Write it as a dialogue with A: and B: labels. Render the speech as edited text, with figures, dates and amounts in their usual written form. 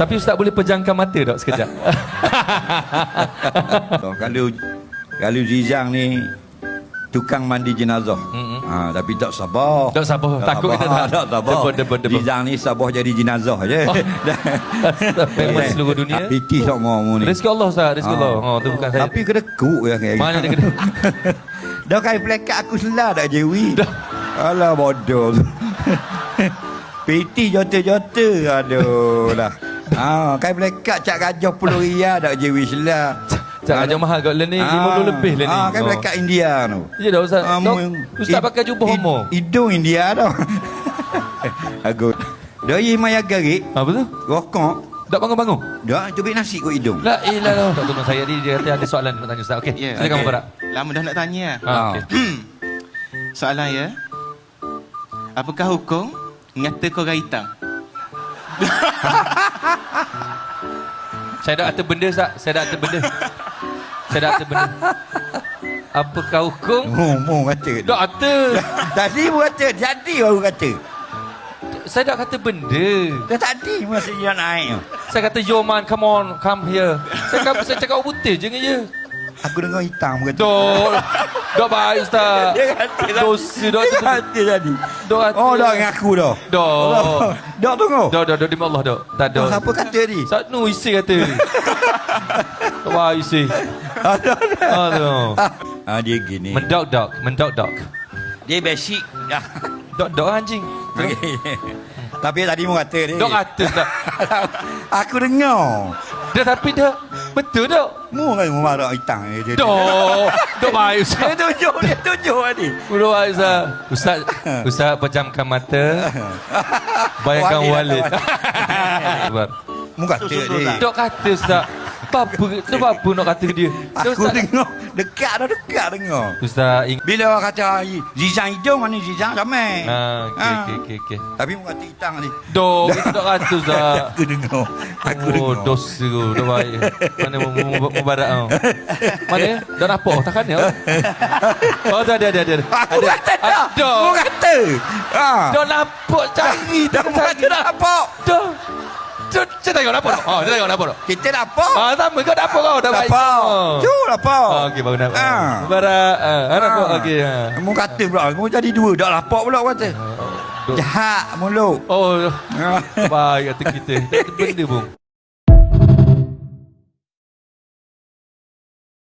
A: Tapi Ustaz boleh pejamkan mata tak sekejap?
B: Kalau Zizang ni tukang mandi jenazah. Tapi tak sabar.
A: Tak sabar. Takut kita tak.
B: Sabar. Zizang ni sabar jadi jenazah je.
A: Memang seluruh dunia.
B: Piti semua ni.
A: Rezeki Allah Ustaz, rezeki Allah. Tu bukan saya.
B: Tapi kena kuk ya kayak.
A: Mana dia kena?
B: Dah kain plekat aku selah tak Jewi. Alah bodoh. Piti jota-jota. Aduh lah. Kain plekat cak gajah RM10 tak Jewi selah.
A: Cak gajah mahal kat ni 50 lebih lah ni.
B: Kain plekat India tu.
A: Ya dah Ustaz. Ustaz pakai jubah homo.
B: Hidung India dah. Aku. Doi maya garik.
A: Apa tu?
B: Rokok.
A: Tak bangun-bangun?
B: Dah cubit nasi kot hidung.
A: La ilah. Tak tolong saya dia kata ada soalan nak tanya Ustaz. Okey. Silakan Mubarak.
C: Lama dah nak tanya.
A: Okey.
C: Soalan ya. Apakah hukum ngata korang hitam?
A: Saya dah kata benda Ustaz. Saya dah kata benda. Apakah hukum?
B: Mu kata.
A: Tak kata.
B: Tadi mu kata, jadi baru kata.
A: Saya dah kata benda.
B: Dah tadi masa dia naik.
A: Saya kata yo man, come on, come here. Saya cakap putih je dengan dia.
B: Aku dengar hitam kata.
A: Dok baik Ustaz.
B: Dia kata lah.
A: Dosa dok tu.
B: Kata tadi.
A: Dok kata.
B: Oh dah ngaku dah.
A: Dok.
B: Dok tunggu.
A: Dok demi Allah dok. Tak dok.
B: Siapa kata ni?
A: Satu isi kata ni. Wah isi. Aduh.
B: Dia gini.
A: Mendok.
B: Dia basic dah.
A: Dok anjing.
B: Tapi tadi mu kata ni.
A: Dok kata Ustaz.
B: Aku dengar.
A: Dah tapi dah betul dok.
B: Mu kan mu marah hitam je.
A: Dok baik Ustaz.
B: Dia tunjuk tadi.
A: Udah baik Ustaz. Ustaz pejamkan mata. Bayangkan Walid.
B: Mu kata dia.
A: Dok kata Ustaz. Apa nak kata dia?
B: Aku dengar. Dekat dengar.
A: Ustaz
B: Bila orang kata Zizang hidung mana Zizang ramai.
A: Okey.
B: Tapi mu kata hitam ni.
A: Dok, itu tak kata Ustaz.
B: Aku dengar. Aku dengar.
A: Dosa tu. Dah baik. Mana Mubarak kau? Mana? Dah nampak takkan ya? Oh, ada.
B: Aku kata dah. Mu kata.
A: Dah nampak cari.
B: Dah mu kata dah nampak.
A: Dah. Saya tengok nampak tak? Saya tengok nampak tak?
B: Kita nampak.
A: Sama kau nampak kau dah baik.
B: Nampak. Nampak.
A: Okey, baru nampak. Mubarak. Nampak okey.
B: Mu kata pula. Mu jadi dua. Dah lapak pula kata. Jahat mulut.
A: Oh. Baik kata kita. Tak ada benda pun.